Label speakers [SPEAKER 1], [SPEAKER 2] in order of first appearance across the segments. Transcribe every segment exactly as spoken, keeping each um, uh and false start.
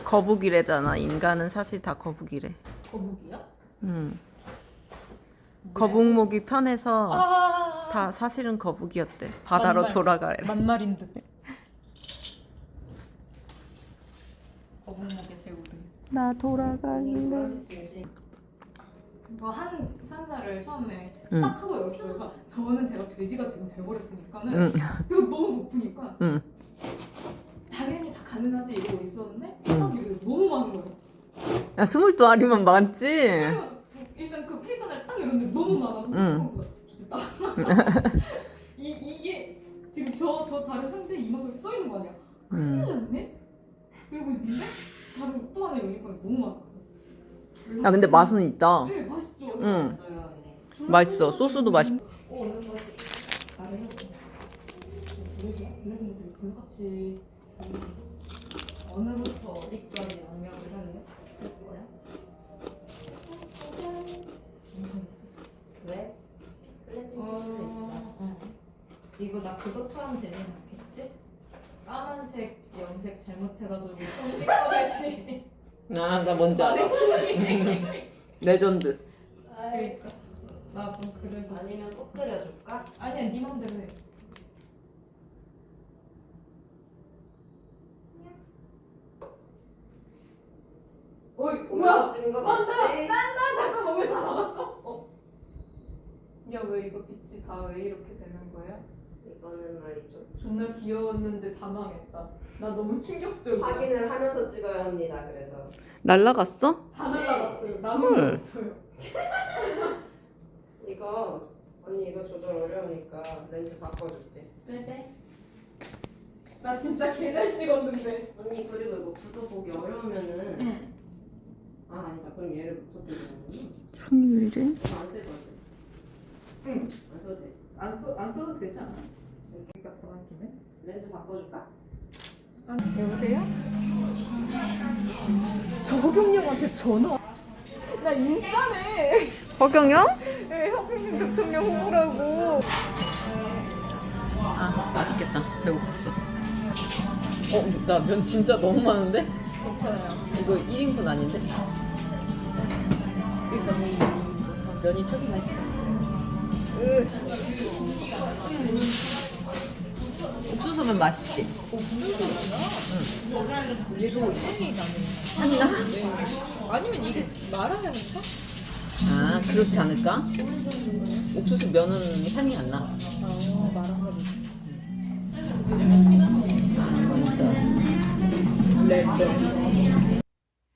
[SPEAKER 1] 거북이래잖아. 인간은 사실 다 거북이래.
[SPEAKER 2] 거북이야?
[SPEAKER 1] 응. 거북목이 편해서
[SPEAKER 2] 아
[SPEAKER 1] 다 사실은 거북이였대. 바다로
[SPEAKER 2] 만말.
[SPEAKER 1] 돌아가래.
[SPEAKER 2] 만말인 듯. 거북목의 새우등.
[SPEAKER 1] 나 돌아갈래.
[SPEAKER 2] 이거 한 상자를 처음에
[SPEAKER 1] 응.
[SPEAKER 2] 딱 하고 열었어요. 그러니까 저는 제가 돼지가 지금 돼버렸으니까는
[SPEAKER 1] 응.
[SPEAKER 2] 이거 너무 고프니까
[SPEAKER 1] 응.
[SPEAKER 2] 당연히 다 가능하지 이러고 있었는데
[SPEAKER 1] 응.
[SPEAKER 2] 딱 이게 너무 많은 거죠.
[SPEAKER 1] 야, 스물 두 알이면 많지.
[SPEAKER 2] 그래서 일단 그 케이스를 딱 열었는데 너무 많아서
[SPEAKER 1] 응.
[SPEAKER 2] 생각보다 좋겠다. 이 이게 지금 저 저 다른 상자에 이만큼 떠 있는 거 아니야? 큰일
[SPEAKER 1] 응.
[SPEAKER 2] 났네. 이러고 있는데 다른 또 하나 열니까 너무 많았어.
[SPEAKER 1] 야, 근데 맛은 있다.
[SPEAKER 2] 네 맛있죠.
[SPEAKER 1] 응.
[SPEAKER 2] 맛있어요.
[SPEAKER 1] 맛있어. 소스도 맛있.
[SPEAKER 2] 오는 것이 다르지. 블랙이 블랙인데 불같이 어느부터 어디까지 양념을 할래? 뭐야?
[SPEAKER 3] 왜? 클렌징 티슈도 있어.
[SPEAKER 2] 응. 이거 나 그것처럼 되진 않겠지? 까만색, 염색 잘못해가지고 좀 시꺼매지.
[SPEAKER 1] 아, 나 뭔지 알아. 레전드.
[SPEAKER 2] 그러니까 나 좀 그래서
[SPEAKER 3] 아니면 꼭 끓여줄까?
[SPEAKER 2] 아니야 네 맘대로 해. 어이 뭐야?
[SPEAKER 3] 찍은 거
[SPEAKER 2] 아,
[SPEAKER 3] 맞지?
[SPEAKER 2] 나 잠깐만 왜 다 나갔어? 어? 야 왜 이거 빛이 다 왜 이렇게 되는 거야?
[SPEAKER 3] 이거는 말이죠.
[SPEAKER 2] 존나 귀여웠는데 다 망했다. 나 너무 충격적이야.
[SPEAKER 3] 확인을 하면서 찍어야 합니다. 그래서
[SPEAKER 1] 날라갔어?
[SPEAKER 2] 다 날라갔어요. 남은 게
[SPEAKER 1] 헐.
[SPEAKER 2] 없어요.
[SPEAKER 3] 이거 언니 이거 조절 어려우니까 렌즈 바꿔줄게.
[SPEAKER 2] 네네. 나 진짜 개 잘 찍었는데.
[SPEAKER 3] 언니 그리고 이거 구도 보기 어려우면은
[SPEAKER 2] 응.
[SPEAKER 3] 아 아니다. 그럼 얘를 붙여드리는
[SPEAKER 1] 손유일이?
[SPEAKER 3] 안쓸 거지.
[SPEAKER 2] 응.
[SPEAKER 3] 안 써도 돼.
[SPEAKER 2] 안, 써, 안 써도 되지 않아? 여기가 더 많기네.
[SPEAKER 3] 렌즈 바꿔줄까?
[SPEAKER 2] 아, 여보세요? 저 허경영한테 전화. 나 인싸네.
[SPEAKER 1] 허경영?
[SPEAKER 2] 네, 허경영 대통령 후보라고.
[SPEAKER 1] 아, 맛있겠다. 배고팠어. 어, 나 면 진짜 너무 많은데?
[SPEAKER 2] 괜찮아요.
[SPEAKER 1] 이거 일 인분 아닌데?
[SPEAKER 2] 일단
[SPEAKER 1] 면이 척이 맛있어. 옥수수면 맛있지?
[SPEAKER 2] 얘도 향이 나네.
[SPEAKER 1] 향이 나?
[SPEAKER 2] 아니면 이게 마라향인가?
[SPEAKER 1] 아, 그렇지 않을까? 옥수수 면은 향이 안 나.
[SPEAKER 2] 아, 마라향.
[SPEAKER 1] 네.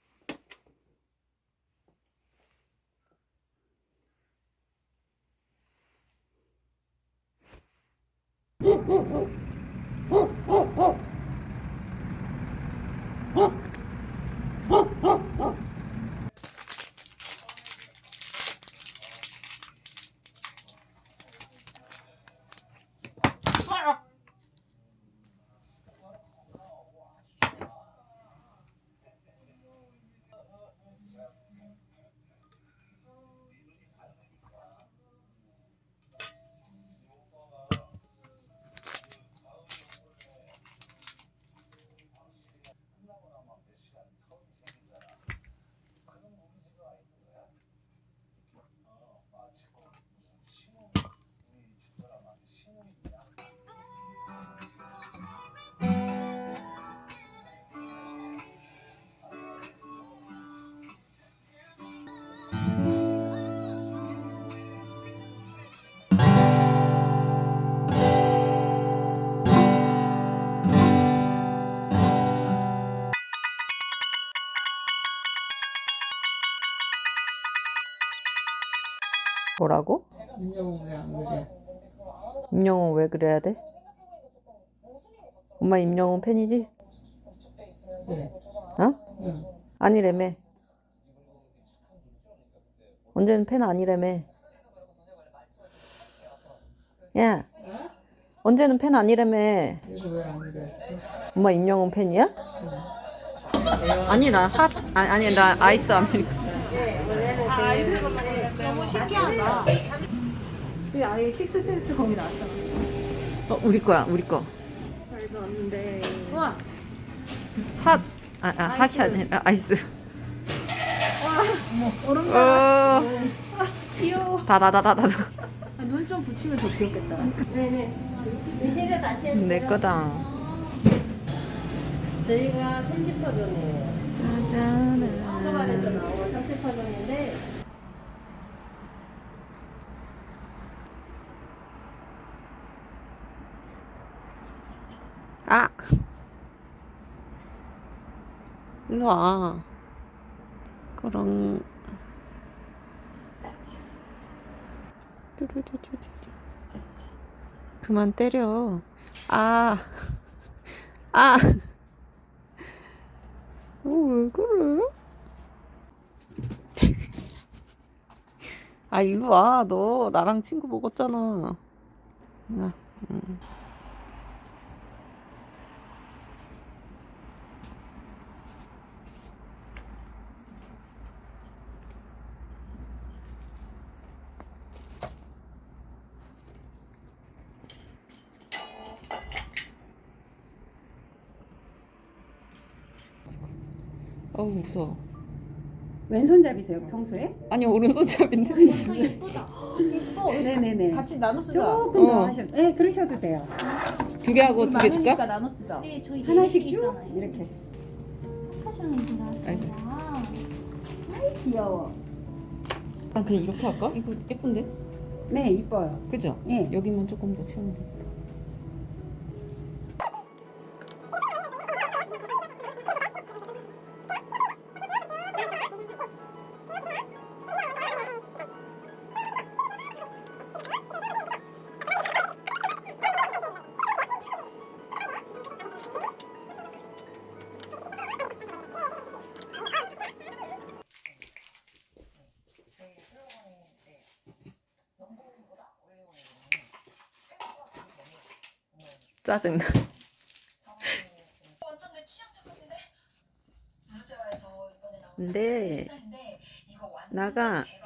[SPEAKER 1] 뭐라고?
[SPEAKER 2] 인형은 왜안 그래?
[SPEAKER 1] 임영웅 왜 그래야 돼? 엄마 임영웅 팬이지?
[SPEAKER 2] 네.
[SPEAKER 1] 어?
[SPEAKER 2] 응.
[SPEAKER 1] 아니래매. 언제는 팬 아니래매. 야, 언제는 팬 아니래매.
[SPEAKER 2] 이거 왜안 그랬어?
[SPEAKER 1] 엄마 임영웅 팬이야? 아니 나 핫, 아니, 아니 나 아이스 아메리카노.
[SPEAKER 2] 너무 신기하다. 근데 아예 식스센스 거기 나왔잖아.
[SPEAKER 1] 어, 우리 거야, 우리 거.
[SPEAKER 3] 말도 안 돼.
[SPEAKER 2] 우와.
[SPEAKER 1] 핫, 아, 아 핫이 아니라 아이스.
[SPEAKER 4] 얼음
[SPEAKER 1] 어.
[SPEAKER 4] 아, 귀여워.
[SPEAKER 1] 다다다다다.
[SPEAKER 4] 눈 좀 붙이면 더 귀엽겠다. 네네. 이제를 다시 해주세요.
[SPEAKER 1] 내 거다.
[SPEAKER 4] 저희가 삼십 퍼전이에요. 서반에서
[SPEAKER 1] 짜잔.
[SPEAKER 4] 나오는 삼십 퍼전인데
[SPEAKER 1] 아. 일로 와. 그럼. 뚜루루루루. 그만 때려. 아. 아. 어, 왜 그래? 아, 일로 와. 너 나랑 친구 먹었잖아. 나. 응. 어우, 무서워.
[SPEAKER 5] 왼손잡이세요 평소에?
[SPEAKER 1] 아니, 오른손잡인데.
[SPEAKER 2] 완전 예쁘다.
[SPEAKER 4] 예뻐.
[SPEAKER 5] 네네네.
[SPEAKER 4] 같이 나눠 쓰자.
[SPEAKER 5] 조금 더
[SPEAKER 1] 어.
[SPEAKER 5] 하셔도 네 그러셔도 돼요.
[SPEAKER 1] 두 개 하고 두 개
[SPEAKER 4] 많으니까
[SPEAKER 1] 줄까?
[SPEAKER 4] 나눠 쓰자.
[SPEAKER 2] 네, 저희
[SPEAKER 5] 하나씩 쭉
[SPEAKER 2] 내리실이잖아요.
[SPEAKER 5] 이렇게.
[SPEAKER 2] 파션이 들어왔어요.
[SPEAKER 4] 귀여워.
[SPEAKER 1] 난 그냥 이렇게 할까? 이거 예쁜데?
[SPEAKER 5] 네 이뻐요.
[SPEAKER 1] 그죠?
[SPEAKER 5] 예.
[SPEAKER 1] 여기만 조금 더 채우면 되겠다. 짜증나.
[SPEAKER 6] 완전 내 취향 제품인데 무제화에서 이번에 나온
[SPEAKER 1] 근데
[SPEAKER 6] 시즌인데 이거 완전
[SPEAKER 1] 나가.
[SPEAKER 6] 대박